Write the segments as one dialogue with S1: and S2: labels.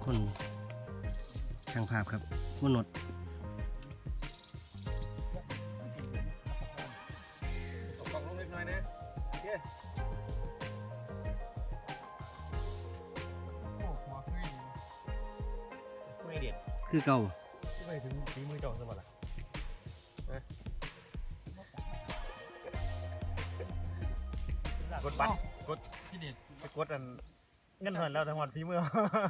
S1: คนช่างภาพครับมนุษย์
S2: กล่องลงเล็กน้อยนะโอเคโอ้หัวไม่เด็ด
S1: คือเก่า
S2: ไม่ถึงฝีมือเจ้าสมบัติกดบัตรกดพี่เด็ดไปกดอันเงินเหินแล้วทั้งวันฝีมือ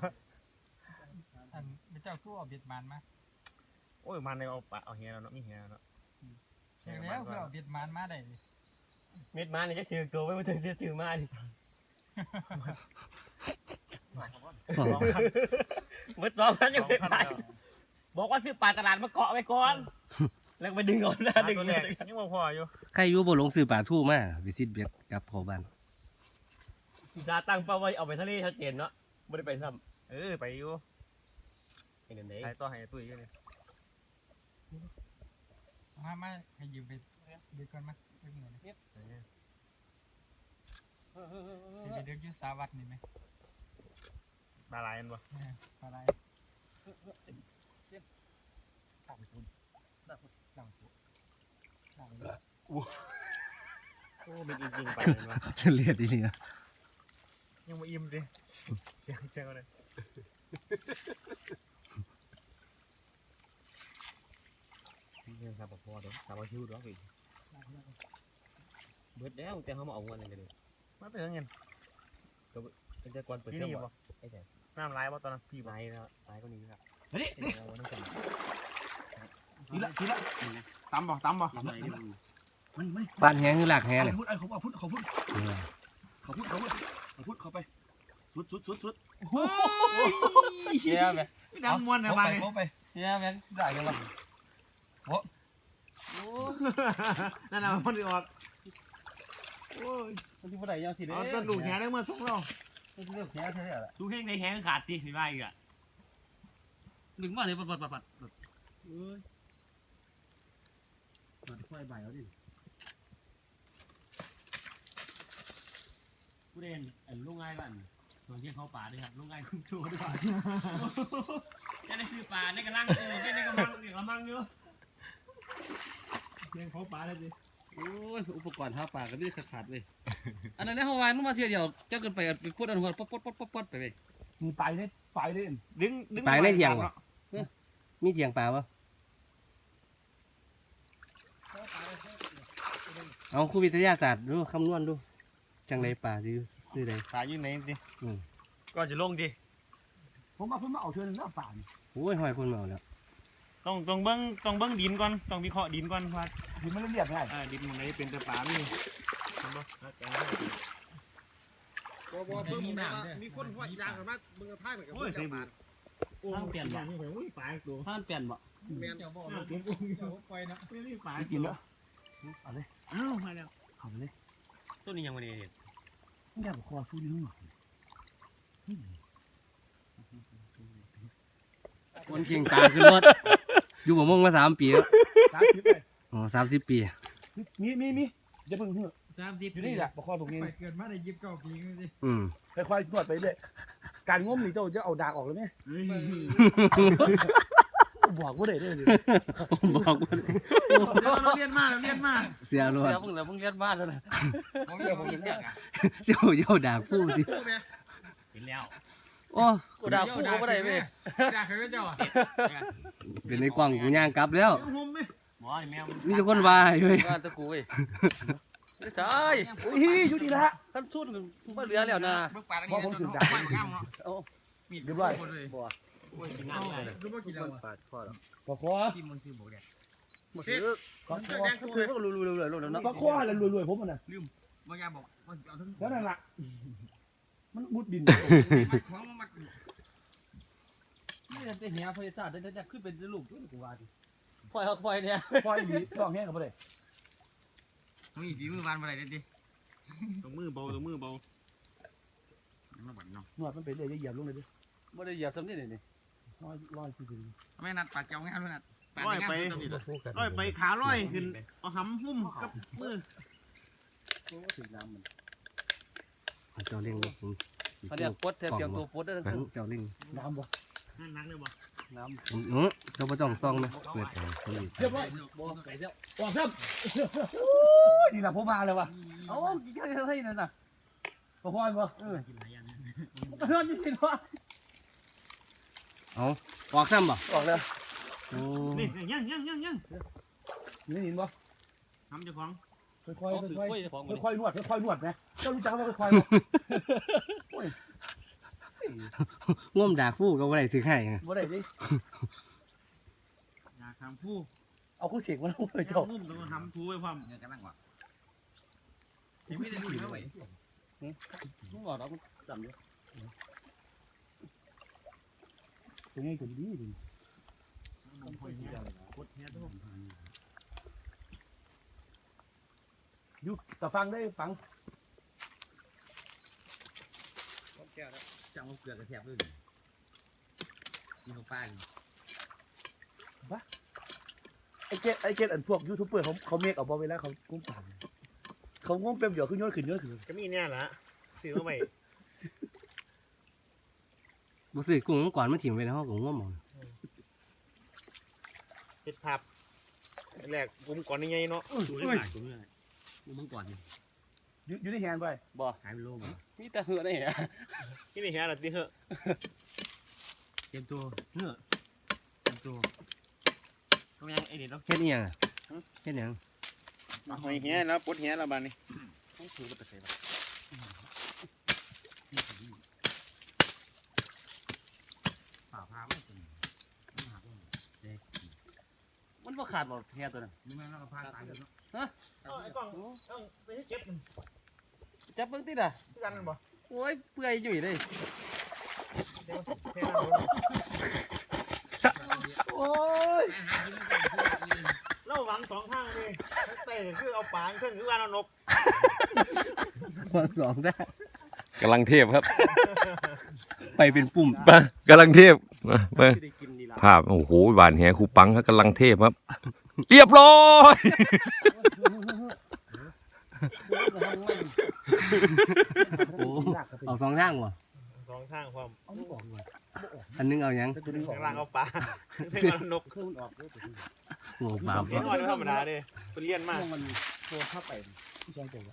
S3: อันเจ้าคู่เอาเบียดมันมา
S2: โอ้ยมันในเอาปะเอาเฮียแล้วเนาะมีเฮียแล้วเนาะ
S3: เชียงแล้วคือเอาเบียดมันมาได้
S4: เม็ดมันนี่จะถือตัวไว้มาถึงเสียถือมาดิเมื่อ2,000ยังไม่ได้บอกว่าซื้อปลาตลาดมาเกาะไว้ก่อนแล้วไปดึงเอาหน้าดึง
S2: ตัว
S4: เล
S2: แร
S4: ย
S2: กยังพออยู่
S1: ใครอยู่บ่ลงซื้อปลาทู่มาวิสิตเบ็ดกับพ่อบ้าน
S4: จะตั้งเป้าไว้เอาไปทะเลชัดเจนเนาะไม่ได้ไปซ้
S2: ไปอยู่
S4: ำไอ้นั่นเอง
S2: ไอ้ตัวให้ตุ้ยอยู่นี่
S3: มาให้ยืมไปเบียดก่อนมาเบียดเหมือนไปเดินยืดสาวัดนี่ไหม
S2: ปลาลายมันบ่
S3: อะไร
S4: โอ้เป็นจริงๆไปเลยว่ะ
S1: เลียดอีนี่นะ
S2: ยังมาอิ่มดิเสียงเลย
S4: เนี่ยครับพอเดี๋ยวสาวชิวด้วยเบิดแล้วแต่เขามาเอาเงินกันเลย
S2: มาเตือนเงิน
S4: เป็นแต่ก่อนเปิด
S2: ที่
S4: เทอม
S2: นี่
S4: บ่
S2: บ่
S4: ไอ้แจ๊
S2: น้ำลายบ่ตอนนั้นพี่บ่
S4: ลายแล้วลายก็นี้ครับ
S2: นี่
S4: เอาน้ำกัน
S2: ทีละตำบ่
S1: บ้านแห้งคือหลักแห้งเลย
S2: เขาพูดเขาไปสุด
S4: เชี่ยไหม
S2: ดังมวนแต่บ้านนี่
S4: เชี่ยไหมได้กันหรอ
S2: นั่นน่ะมันออกโอ้ย
S4: มันที่ผู้ใดยังสิเด้
S2: เอาต้นลูกแหได้เมื่อส่งเรา
S4: มันที่เลือกแค่เท่าไหร่ละดูแห้งในแห้งขาดตีนี่ว่าอีกอ่ะดึงมาเลยปัดเอ้ยปัดค่อยใบเอาดิผู้เด่นลุงง่ายบ้านส่วนที่เขาป่าด้วยครับลุงง่ายคุ้มโชว์ด้วยจะได้ซื้อป่าในกระลังในกระมังกระมังเยอะ
S2: เพียงเขาปลาเลยสิ
S1: โอ้ยอุปกรณ์หาปลาก็ไม่ขาดเลยอันนั้นเฮาวานนุ่มาเที่ยวเดียวเจ้ากันไปไปพูดอันหัวป๊ดไปเลย
S2: มีไปเลยดึง
S1: ปลาในเถียงวะมีเถียงปลาปะเอาครูวิทยาศาสตร์ดูคำนวณดูจังไรปลาที่ซื้อใด
S2: ปลาอยู่ไหนสิ
S4: ก่อนจะลงดิ
S2: ผมมาเพิ่งมาเอาเชิญหน้าป่า
S1: โอ้ยหอยคนเมาแล้ว
S2: ต้องเบิ้งดินก่อนต้องวิเคราะห์ดินก่อนว่าดินมันเรียบง่ายดินมันไหนเป็นแต่ป่ามีมีคนหัวยางกันมาเบิ่งกระท่ายเหมือนกับเบิ่งป่าโอ้เปลี่ยนบ่นี่ผมป่าตัว
S4: ท่านเปลี่ยนบ่
S2: แมน
S3: เจ้าบอกเจ้าไปนะ
S2: ไม่ได้ป่ากินแล้วเอาเลยอ้าวมาแล้วเข้าไปเลย
S4: ต้นนี้ยังไม่ได้เห็น
S2: ไม่ได้บอกคอสู้ดิ้งหน่อย
S1: คนเก่งปลาคือรถอยู่บ่มงมา3 ปีแล้ว
S2: 30เลย
S1: อ๋อ30 ปี
S2: มีจะเพิ่งเหือ
S3: 30
S2: อยู่นี่แหละบอกคอตรงนี้
S3: ไปเกิดมาได้29 ปีก็สิ
S2: ค่อยๆนวดไปเลยการง้มนี่เจ้าจะเอาดากออกเลยไหมบอกว่าได้เลย
S1: บอกว่า
S2: เราเรียนมา
S1: เสียรถ
S4: เพิ่งเรียนบ้านแล้วนะ
S3: ผมเรียกผมเสียกอ่ะ
S1: เจ้าด่าผู้ดิ
S4: เห็นแล้ว
S1: โอ้
S4: กูด่ากูก็ได้เว้ย
S3: ด่าคือเจ้าอ่ะ
S1: เป็นในกล่องกูย่างกลับแล้ว
S4: หมอแมว
S1: มีแต่คนว่าอยู่เว้ย
S4: บ้านตะกูเว้ยไม่ใช่
S2: อยู่ดีละ
S4: ท่านสุดมันเหลือแล้วนะ
S3: เบิกปลา
S2: พอผมถึงจ่ายมีดเรียบร้อย
S4: โอ้ยกินน้ำเลย
S3: คือว่ากินแล้ว
S4: ปาดคอแล้ว
S2: ปลาคอ
S3: กินมันคือบอกแดด
S4: มาซื้อ
S2: ปลาคอ
S4: คือก็รู้เลยแล้วนะ
S2: ปลาคออะไรรวยๆผมมันน่ะ
S3: บางอย่างบอกว่าเอาทั้ง
S2: แล้วนั่นล่ะมันมุดดิน
S3: ของมา
S4: นี่จะเหี้ยพยาศาสตร์จะขึ้นเป็นลูกด้วยกูว่าดิปล่อยเนี่ย
S2: คอยมีลองแห้งกับอะไร
S3: มีฝีมือวานอะไรดิ
S2: ตรงมือเบา
S3: น้ำมันเนาะ
S2: นวดมันไปเลยเหยียบลงเลยดิ
S4: ไม่ได้เหยียบซ้ำนี่นี่
S2: ร้อยสิ
S3: ไม่นัดปลาเจ้างานด้วยนัด
S2: ร้อยไปขาร้อยขึ้นเอาหำหุ้มกับมือ
S4: ถึงน้ำมัน
S1: เจ้าเล่ง
S4: เขาเรียกปดเทียบตัวปดได้ทั้ง
S1: เจ้าเล่ง
S2: น้ำบ่
S4: นักเลยบ่
S1: น้ำ
S5: เราไม่ต้องซ่องนะเปิดไปคนอื่น
S1: เรียบร้อยบ่ไปเรียบออกครับนี่แหละผมมาเลยว่ะเอ้ากินข้าวให้นั่นน่ะบ่พอนบ่
S4: กินหลายอย่าง
S1: บ่พอนจริงๆว่ะ
S5: เอาออกซ้ำบ่
S1: ออกแล้ว
S5: โอ้
S4: นี่ยัง
S1: นี่เห็นบ่
S4: ทำเจ้าของ
S1: ค่อยๆค่อยๆนวดค่อยๆนวดนะเจ้ารู้จักว่าค่อยๆ
S5: ง่วมด่าผู้ก็ว่าได้ถือให้นะ
S1: บ่ได้ดิ
S4: อยากทำผู้
S1: เอาคู่เสียงมาลงไป
S4: เจ้า
S1: เจ้า
S4: นุ่มต้องทำผู้ไว้ความ
S3: เนี่ยกำลังว่ะยังไม่ได้ดูเลยเว้ย
S1: มึงบอกเราจำอยู่ตัวนี้ตัวดีดิ
S4: คอยเนี่ยกดเนี่ยทุก
S1: อยู่แต่ฟังได้ฟัง
S3: จังเกลือกระเทียมด้วยมีของป้า
S1: ไอ้เกตอันพวกยูทูบเบอร์เขาเมคเอาบ่เวลาเขากุ้งปั่นเขาง้มเปรี้ยวขึ้นยอดขึ้น
S2: ก็มีเนี่ยละซื้อมาใหม่
S5: บุษือกุ้งก่อนมันถิ่มไปในห้องของง่วมหมด
S2: เฮ็ดภาพแรกผมก่อนนี่ไงเนาะ
S4: ดูได้หลายตัวเลยกูมังก่อน
S1: อยู่ในแฮนด์ไปบ่
S4: หายไปโลก
S1: มีแต่เหือได้เหรอ
S2: ที่นี่เฮียล่ะติเหอะ
S4: เตรียมตัวเนื้อเตรียมตัวทำยังไอ้เด็ดเนาะ
S5: เฮ็ดอีหยังอะเฮ็ดหยัง
S2: มาหอยเฮียแล้วปลดเฮียแล้วบาดนี้
S4: ผ่าพาไม่ถึง
S1: มันบ่ขาดบ่แฮตัวนั้น
S3: นี่มันเราพาตายแล้วเนาะ
S2: ไอ้กล้องต้องไปเก็บ
S1: จับเบิ่งติดอ่ะ
S2: กันบ่
S1: โอ้ยเปื่อยยุ่ยเลย
S2: เดี๋ยวเทน้ำ
S1: โอ้ย
S3: หากินไม่ได้
S2: เราหวังสองทางเลยใส่คือเอาปางเครื่องคือว่าเอานก
S5: สองได้
S6: กำลังเทพครับ
S5: ไปเป็นปุ่ม
S6: ไปกำลังเทพมา
S1: ไม่ได้กินดีละ
S6: ภาพโอ้โหหวานแหครูปังครับกำลังเทพครับ เรียบร้อย
S5: โอ้เอาสองทางวะ
S2: สองทางความ
S1: เอาออกเลย
S5: อันนึงเอาหยัง
S1: ตัวนึงออก
S2: ข้างล่างเอาปลาข้างล่างนก
S1: เครื่องมันออกเลย
S5: โอ้บาป
S2: เลี้ยงน้อยธรรมดาเด้เป็นเลี้ยนมาก
S1: มันโทรเข้าไปที่ช่องตัว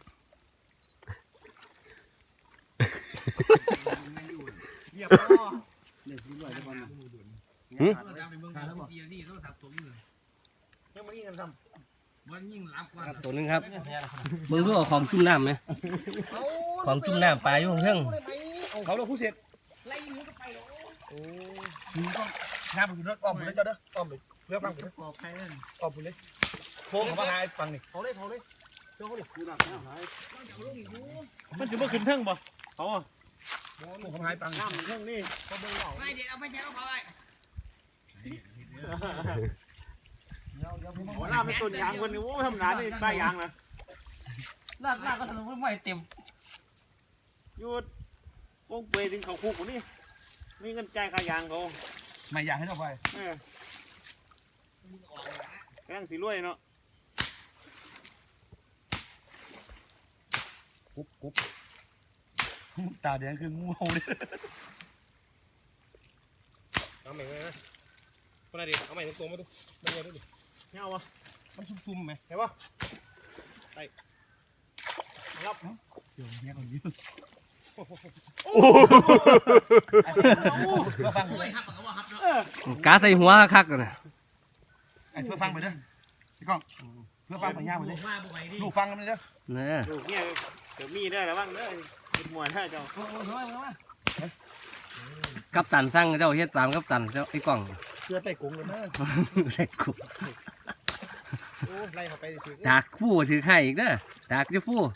S2: เรียบร้อย
S1: เนี่ยรู้ด้วยทุกคน
S3: เราจะไปเมืองไทยแล้วทีนี่ต้องทับตรงเลย
S2: ยังไม่ยิ่งกันท
S3: มันยิ่งรับกว่า
S5: ตัวนึงครับมึงรู้เอาของจุ่มน้ำไหมของจุ่มน้ำปลาอยู่ข้างเทิง
S1: เขาเราผู้เสร็จ
S3: ไล่มือก็ไปแล้ว
S1: มึงต้องน้ำไปอยู่นั่นอ้อมไปเลยเจ้าเด้ออ้อมไปเพื่อฟังไปเลย
S3: ปอกใครนั่น
S1: อ้อมไปเลยโค้งเขามาหาฟังนี่
S2: ำเขาเลยเจ้าเขาเลย
S1: ดูหนักนะหาย
S3: ต้องจะเอาลูกอีก
S2: มันถือว่าขึ้นเทิงบ่เขาอ่ะ
S1: โค้งเขามาหาฟัง
S2: น้ำเทิงนี่เขาเบิ่งเหล่า
S3: ไม่เด็กเอาไปแจกเขาไป
S2: หัวหน้าเป็นต้นยางคนนึงโอ้ธรรมดานี่ใต้ยางนะ
S1: ลากก็สนุกไม่เต็ม
S2: ยูดวงเปยถึงเขาคุกคนนี้มีเงินจ่ายค่ายางเขา
S1: ไม่อยากให้เราไป
S2: แกงสีรวยเนาะ
S1: กุ๊บตาแดงคืองูเห่าเลย
S2: เอาใหม่เลยนะคนไหนดิเอาใหม่ตรงๆมาดูมาเยอะดิเนี่ยเอาวะ
S1: มันซุ่มๆไหม
S2: เห็นปะไปรับ
S1: เดี๋ยวเนี่ยคนนี้
S2: เพื่อฟัง
S3: โอ้ยฮับกับว่าฮับเนาะ
S5: กาใส่หัวคักๆกันนะ
S1: ไอ้เพื่อฟังไปเด้อพี่ก้องเพื่อฟังไปย่างไปเลย
S3: ว่าบุไปดิ
S1: ลูกฟังกันเลยเด้อ
S5: นะ
S2: ลูกเนี่ยเดี๋ยวมีได้แล้วบ้างเด้อเป็นมวยถ้าเจ้า
S5: กัปตันสั่งเจ้าเฮ็ดตามกัปตันเจ้าไอ้กล้อง
S1: เพื่อไต่กุ้งเลยนะ
S5: ไอ้กู
S2: โอ้ไล่เขาไปสิ
S5: ดากฟู่ถือไข่อีกเด้อดากจะฟู่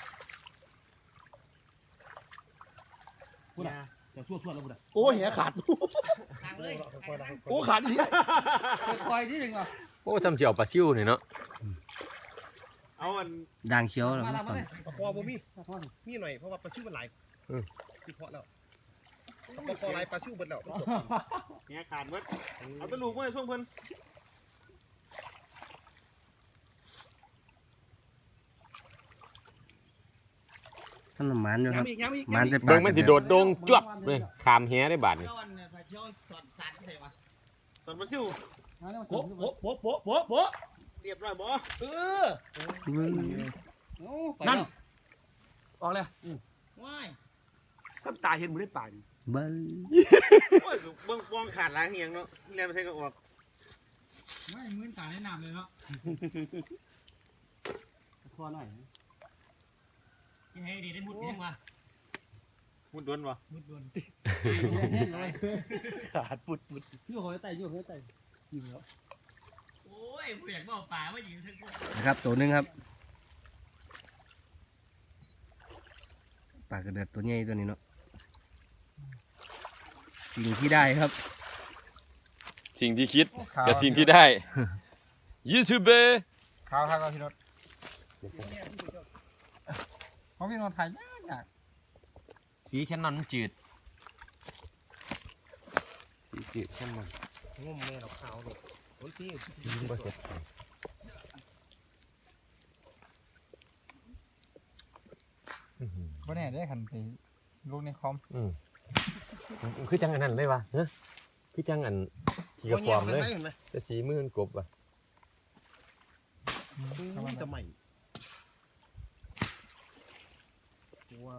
S1: จะทั่วแล้วบุตรโอ้ยเหี้ยขาด
S3: ทางเลย
S1: โอ้ขาดอีกคอยนิดนึงอ่ะ
S6: โอ้จำเจียวปลาซิวนี่เนาะ
S2: เอาอัน
S5: ด่างเขียวแล้ว
S1: มา
S5: มัน
S1: แล้ว
S5: สั่น
S2: ปลาคอบ่มีมีหน่อยเพราะว่าปลาชิวมันหลายที่เพาะแล้วปลาคอหลายปลาชิวเบิดแล้วเนี่ยขาดเบิดเอาตะลูกไว้ช่วงเพิ่น
S5: ท่านหมานอยู่ครับ
S1: ย้ำอีก
S5: หมานจะปา
S6: เบิ่
S5: ก
S6: งมันสิโดดโดงจวบเลยขามแหได้บาดนี่
S3: ก้อนเนี่ยไปชชี่ยวสอนสันใช่ปะ
S2: ตอนปลาซิว
S1: โป๊ะโป๊ะโป๊ะโป๊ะโป๊ะโป๊ะ
S2: เรียบร้อยบ่
S1: นั่นออกเลย
S3: ว้าย
S1: ซ้ำตาเห็นมือได้ป่าน
S5: เบิ้ง
S2: โอ้ยเบิ่งฟองขาดล้างเหียงเนาะเรียนไปใส่ก็ออก
S4: ไม่มื้นตาแนะนำเลยเนาะ
S1: คอหน่อย
S4: ยังไงดีได้มุดยังวะ
S2: มุดโดนบ่
S4: มุดโดน
S1: ขาดปุดปุดอยู่หัวไตอยู่หัวไตอยู่แล้ว
S4: โอ้ยผู้อยากบอกป่าว่าอยู่ทั้งพวก
S5: นะครับตัวหนึงครับปลากระเดือดตัวใหญ่ตัวนี้เนาะสิ่งที่ได้ครับ
S6: สิ่งที่คิดกับสิ่งที่ได้ ยูทูบเบอร์
S1: ข้าวข้าวพี่รถเขาพี่นอนถ่ายยาก
S6: สีแค่นั้นจืดสีจืดแค่นั้น
S2: งุ่มแม่เราขาวนี่โอ้ยพี่
S6: บ่เสร็จ
S1: บ่แน่ได้ขันไปลูกในคอม
S6: คือจังอันนั้นเลยวะเนอะคือจังอันขี่กระความเลย
S2: เห็นไหม
S6: แต่สีมือนกบว่ะ
S2: จะใหม่ว้าว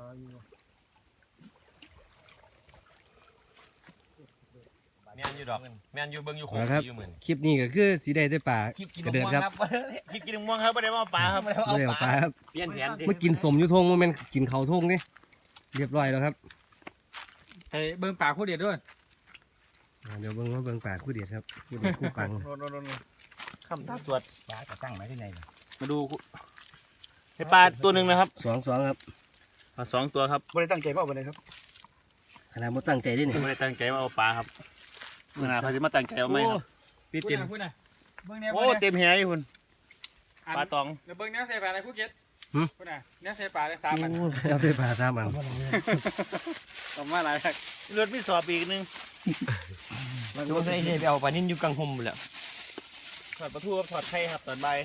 S6: แม่นอยู่ดอกแม่นอยู่เบิ่งอยู่ของ
S5: นะครับ
S6: อยู่เหมือน
S5: คลิปนี้ก็คือสีได้แต่ปลา
S3: คลิปกิน
S5: กระเดือดครับ
S2: คิดกินม่วงครับไม่ได้มาปลาครับ
S5: ไม่ได้เอาปลาครับ
S4: เปลี่ยนแผนดิ
S5: เมื่อกินสมอยุทงโมเมนกินเขาทงนี่เรียบร้อยแล้วครับ
S1: ให้เบิ่งปากคู่เดียดด้วย
S5: เดี๋ยวเบิ่งว่าเบิ่งปลาคู่เดียดครับคู่เดียดคู่ปัง
S2: คำท่าสวด
S3: ปลาจะตั้งไว้ที่ไหน
S2: มาดูให้ปลาตัวหนึ่งนะครับ
S5: สองครับ
S2: ปลาสองตัวครับไม่ได้ตั้งใจมาเอาไปเลยครับ
S5: ขนาดมตั้งใจด้วยนี่
S2: ไม่ได้ตั้งใจมาเอาปลาครับเมื่อไหร่เขาจะมาตั้งใจเอาไหมครับพี่เต็ม
S1: พูดนะเบิ่งแนว
S2: โอ้เต็มแหอยู่คุณปลาตอง
S1: เดี๋ยวเบิ่งแนวใส่ปลาอะไรคู่เก็ตพูดนะแนวใส่ปลาได้3 อัน
S5: โอ้เอาไปปลา3 อัน
S1: ต่อมาหลายครับ
S2: เลือดไม่สอบอีกนึง
S4: โดนไอ้เนี่ยไปเอาปลานิ่นอยู่กลางห่มเลย
S2: ถอดปลาทูครับถอดไข่ครับตอนใบ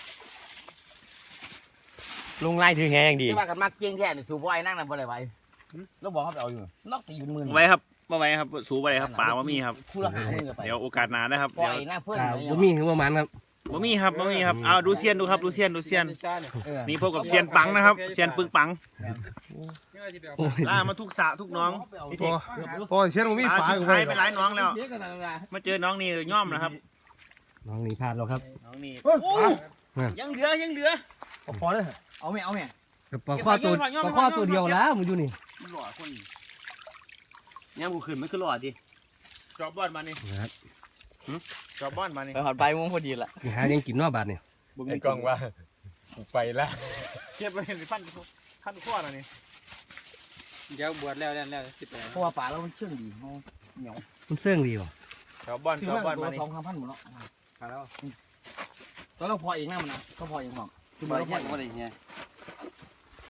S4: ลงไล่ถือแหงดี
S3: ที่ว่ากันมักเกี้ยงแค่สูบไว้นั่งนั่นบ่ได้ไว้แล้วบอกเขาไปเอาอยู่นอกตีเป็นมือ
S2: ไว้ครับมาไว้ครับสูบไว้ครับปลาว่ามีครับ
S3: คู่ละ5 มื้อไป
S2: เดี๋ยวโอกาสหน้านะครับ
S3: ปล่
S2: เดี๋
S3: อย
S2: ยว
S3: หน้าเพื่อน
S5: จ้าบ่มีคือว่ามันครับ
S2: บ่มีครับบ่มีครับเอาดูเซียนดูครับดูเซียนดูเซียน
S3: เออ
S2: นี่พบกับเซียนปังนะครับเซียนปึงปัง
S5: โอ้ย
S2: ล่ามาทุกสระทุกน้อง
S7: โอ้ยเชียนมี
S2: ปลา
S7: ปลา
S2: สุด
S7: กู
S2: ท้าย
S7: ไป
S2: ไปหลายน้องแล้ว
S3: เยอะกันตลอด
S2: มาเจอน้องนี่ย่อมนะครับ
S5: น้องหนีพลาดแล้วครับ
S2: น้องนี่
S7: โอ้ย
S2: ยังเหลือยังเหลือ
S7: พอเลย
S3: เอาแม่เอาแม่
S5: กับปลาข้อตัวปลาข้อตัวเดียวแล้วมันอยู่นี่
S2: หล่อคน
S4: เนี่ยกูขึ้นไม่ขึ้นหรอดิ
S2: จอบบอนมานี่
S5: นะครับ
S2: จอบบอนมานี่
S3: ไปหอดใบม่วงพอดีละ
S5: หาเลี้ยงกินนอกบาทเนี่ย
S6: ไอ้กล้องว่าไปแล้ว
S2: เก็บไปเห็นพันข้อแล้วนี่
S1: เดี๋ยวบวชแล้ว18
S3: เพราะว่าปลาเรามันเชื่องดีเขาเหนียว
S5: มันเสื่องดีว่ะ
S2: จอบบอน
S3: คือ
S2: จอบ
S3: มัน
S2: บอน
S3: ตัว
S2: มานี่
S3: 2,000หมดเนาะปลาแล้วตอนเราพอเองนะมันนะก็พอเองหรอกคือบ่ได้แค่บ่ได้แค่